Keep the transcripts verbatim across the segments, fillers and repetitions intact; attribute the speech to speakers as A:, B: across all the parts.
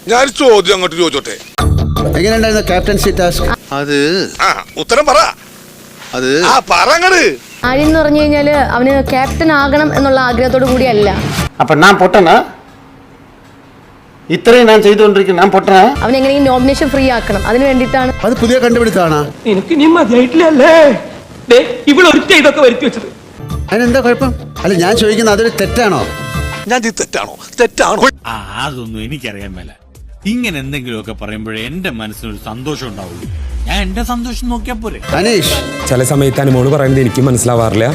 A: ഞാൻ ചോദ്യം അങ്ങോട്ട് ചോദിച്ചോട്ടെ.
B: എങ്ങനെയുണ്ടായിരുന്നു ക്യാപ്റ്റൻസി ടാസ്ക്?
C: അത്
A: ആ ഉത്തരം പറ.
C: അത്
A: ആ പറങ്ങട്.
D: ആര്യൻ എന്ന് പറഞ്ഞു കഴിഞ്ഞാല് അവന് ക്യാപ്റ്റൻ ആകണം എന്നുള്ള ആഗ്രഹത്തോടു കൂടിയല്ല.
B: അപ്പൊ ഞാൻ പൊട്ടനാ? ഇത്രയും ഞാൻ ചെയ്തുകൊണ്ടിരിക്കുന്നു, ഞാൻ പൊട്ടനാ?
D: അവൻ എങ്ങനെയും നോമിനേഷൻ ഫ്രീ ആക്കണം, അതിന് വേണ്ടിയിട്ടാണ്.
B: അത് പുതിയ കണ്ടുപിടുത്താണ്.
E: എനിക്ക് നീ മതിയായിട്ടില്ലല്ലേ ഇവളൊരുത്ത ഇതൊക്കെ വരുത്തി വെച്ചത്.
B: അതിനെന്താ കുഴപ്പം? അല്ല ഞാൻ ചോദിക്കുന്നത് അതൊരു തെറ്റാണോ?
A: ഞാൻ തെറ്റാണോ? തെറ്റാണോ?
F: ആ അതൊന്നും എനിക്കറിയാൻ മേല. ഇങ്ങനെ എന്തെങ്കിലുമൊക്കെ പറയുമ്പോഴേ എന്റെ മനസ്സിനൊരു സന്തോഷം ഉണ്ടാവുള്ളൂ. ഞാൻ എന്റെ സന്തോഷം നോക്കിയാ പോരെ.
B: അനീഷ്,
G: ചില സമയത്ത് അനുമോള് പറയുന്നത് എനിക്ക് മനസ്സിലാവാറില്ല.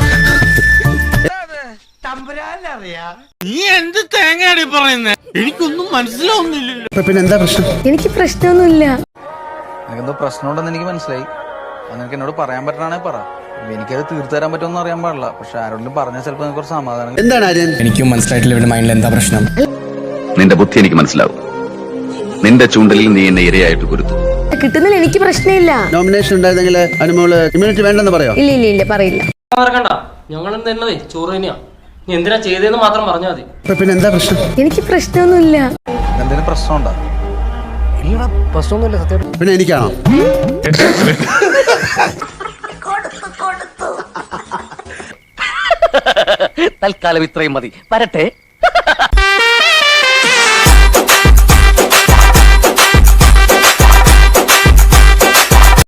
F: നീ എന്ത് തേങ്ങയാടി പറയുന്നേ? എനിക്കൊന്നും മനസ്സിലാവുന്നില്ലല്ലോ.
B: അപ്പൊ പിന്നെ എന്താ പ്രശ്നം?
D: എനിക്ക് പ്രശ്നമൊന്നുമില്ല.
H: നിനക്കെന്തോ പ്രശ്നമുണ്ടെന്ന് എനിക്ക് മനസ്സിലായി. അത് നിനക്ക് എന്നോട് പറയാൻ പറ്റണേ പറ. എനിക്കത് തീർത്തു തരാൻ പറ്റുമെന്ന് അറിയാൻ പാടില്ല. പക്ഷെ ആരോടും പറഞ്ഞാൽ ചിലപ്പോൾ നിനക്ക് കുറച്ച് സമാധാനം.
B: എന്താണ് ആര്യൻ?
I: എനിക്കും മനസ്സിലായിട്ടില്ല ഇവരുടെ മൈൻഡിൽ എന്താ പ്രശ്നം.
J: നിന്റെ ബുദ്ധി എനിക്ക് മനസ്സിലാവും. നിന്റെ ചൂണ്ടലിൽ നീ എന്നെ ഇരയായിട്ട് കുരുത്തു.
D: കിട്ടുന്നതിൽ എനിക്ക് പ്രശ്നമില്ല.
B: നോമിനേഷൻ ഉണ്ടായിരുന്നെങ്കിൽ അനുമോള് ഇമ്മ്യൂണിറ്റി വേണ്ടെന്ന് പറയോ?
D: ഇല്ല ഇല്ല ഇല്ല പറയില്ല.
E: ഞങ്ങൾ തന്നതേ ചോറ് തന്നെയാ. നീ എന്തിനാ ചെയ്തതെന്ന് മാത്രം പറഞ്ഞാൽ മതി.
B: അപ്പൊ പിന്നെ എന്താ പ്രശ്നം?
D: എനിക്ക് പ്രശ്നമൊന്നുമില്ല.
H: എന്തെങ്കിലും പ്രശ്നമുണ്ടോ?
E: ഇല്ലടാ പ്രശ്നമൊന്നുമില്ല സത്യം.
B: പിന്നെ എനിക്കാണോ?
E: തൽക്കാലം ഇത്രയും മതി. വരട്ടെ.